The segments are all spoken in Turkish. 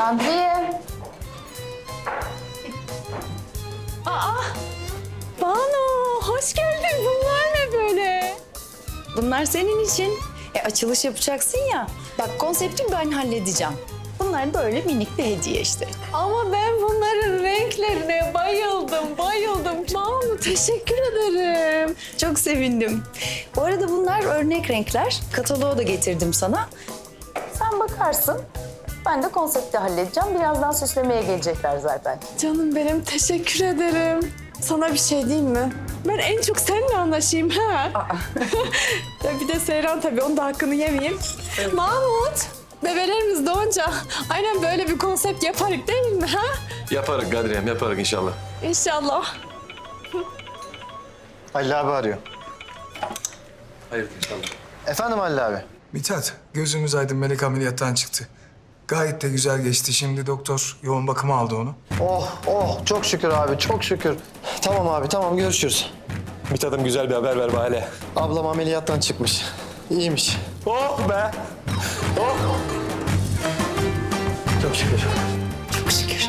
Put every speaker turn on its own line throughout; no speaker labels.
Kadriye.
Banu, hoş geldin. Bunlar ne böyle?
Bunlar senin için. Açılış yapacaksın ya. Bak konsepti ben halledeceğim. Bunlar böyle minik bir hediye işte.
Ama ben bunların renklerine bayıldım. Banu, teşekkür ederim.
Çok sevindim. Bu arada bunlar örnek renkler. Kataloğu da getirdim sana. Sen bakarsın. Ben de konsepti halledeceğim. Birazdan süslemeye gelecekler zaten.
Canım benim, teşekkür ederim. Sana bir şey diyeyim mi? Ben en çok seninle anlaşayım ha. Ya bir de Seyran tabii, onun da hakkını yemeyeyim. Mahmut, bebelerimiz doğunca aynen böyle bir konsept yaparız değil mi ha?
Yaparız Kadriyem, yaparız inşallah.
İnşallah.
Halil abi arıyor.
Hayır inşallah.
Efendim Halil abi.
Mithat, gözümüz aydın, Melek ameliyattan çıktı. Gayet de güzel geçti. Şimdi doktor yoğun bakıma aldı onu.
Oh çok şükür abi çok şükür. Tamam abi tamam görüşürüz.
Mithat'ım güzel bir haber ver bana.
Ablam ameliyattan çıkmış. İyiymiş.
Oh be! Oh!
Çok şükür.
Çok şükür.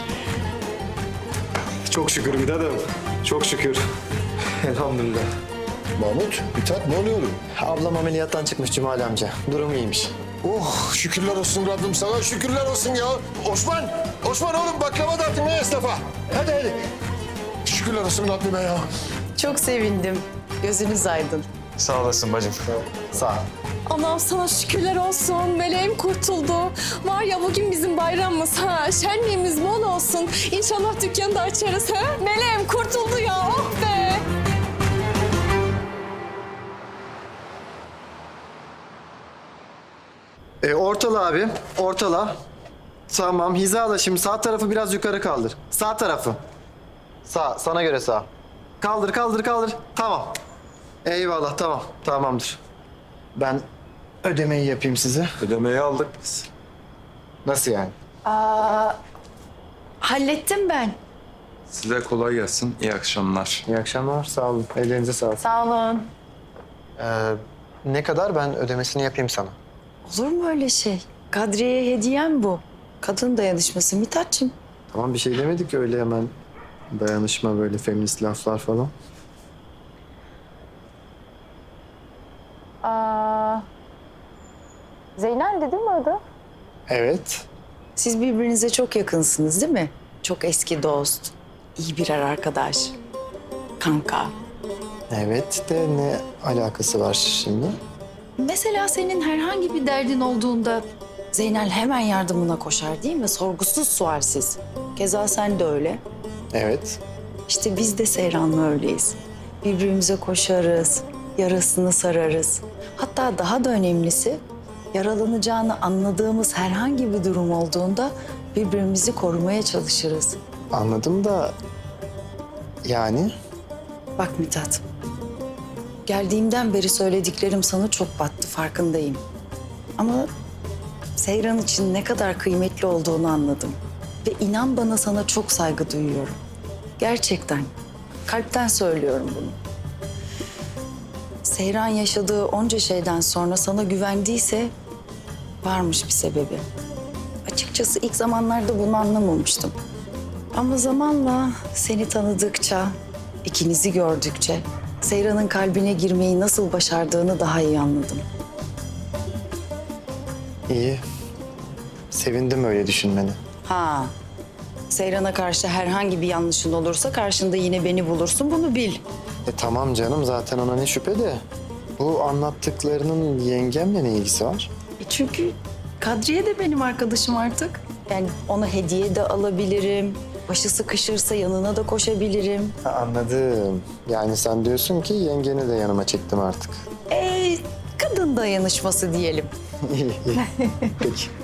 Çok şükür Mithat'ım. Çok şükür. Elhamdülillah.
Mahmut, Mithat ne oluyor oğlum?
Ablam ameliyattan çıkmış Cumali amca. Durumu iyiymiş.
Oh şükürler olsun Rabbim sana, şükürler olsun ya. Osman oğlum baklava dağıtın ya esnafa. Hadi. Şükürler olsun Rabbime ya.
Çok sevindim. Gözünüz aydın.
Sağ olasın bacım.
Sağ ol.
Allah'ım sana şükürler olsun. Meleğim kurtuldu. Var ya bugün bizim bayramımız ha. Şenliğimiz bol olsun. İnşallah dükkanı da açarız ha. Meleğim kurtuldu ya. Oh be.
Ortala abi. Ortala. Tamam hizala şimdi sağ tarafı biraz yukarı kaldır. Sağ tarafı. Sağ sana göre sağ. Kaldır. Tamam. Eyvallah tamam. Tamamdır. Ben ödemeyi yapayım size.
Ödemeyi aldık biz.
Nasıl yani?
Hallettim ben.
Size kolay gelsin. İyi akşamlar.
İyi akşamlar. Sağ olun. Ellerinize sağlık.
Sağ olun.
Ne kadar ben ödemesini yapayım sana.
Olur mu öyle şey? Kadriye'ye hediyem bu. Kadın dayanışması Mithat'cığım.
Tamam bir şey demedik ki öyle hemen dayanışma böyle feminist laflar falan.
Zeynel değil mi adı?
Evet.
Siz birbirinize çok yakınsınız değil mi? Çok eski dost, iyi birer arkadaş, kanka.
Evet de ne alakası var şimdi?
Mesela senin herhangi bir derdin olduğunda Zeynel hemen yardımına koşar değil mi? Sorgusuz sualsiz. Keza sen de öyle.
Evet.
İşte biz de Seyran'la öyleyiz. Birbirimize koşarız, yarasını sararız. Hatta daha da önemlisi yaralanacağını anladığımız herhangi bir durum olduğunda birbirimizi korumaya çalışırız.
Anladım da yani
Bak Mithat, geldiğimden beri söylediklerim sana çok battı, farkındayım. Ama Seyran için ne kadar kıymetli olduğunu anladım. Ve inan bana sana çok saygı duyuyorum. Gerçekten, kalpten söylüyorum bunu. Seyran yaşadığı onca şeyden sonra sana güvendiyse varmış bir sebebi. Açıkçası ilk zamanlarda bunu anlamamıştım. Ama zamanla seni tanıdıkça, ikinizi gördükçe Seyran'ın kalbine girmeyi nasıl başardığını daha iyi anladım.
iyi. Sevindim öyle düşünmeni.
Ha, Seyran'a karşı herhangi bir yanlışın olursa karşında yine beni bulursun, bunu bil.
Tamam canım zaten ona ne şüphe de. Bu anlattıklarının yengemle ne ilgisi var?
Çünkü Kadriye de benim arkadaşım artık. Yani ona hediye de alabilirim. Başı sıkışırsa yanına da koşabilirim.
Ha, anladım. Yani sen diyorsun ki yengeni de yanıma çektim artık.
Kadın dayanışması diyelim.
İyi. Peki.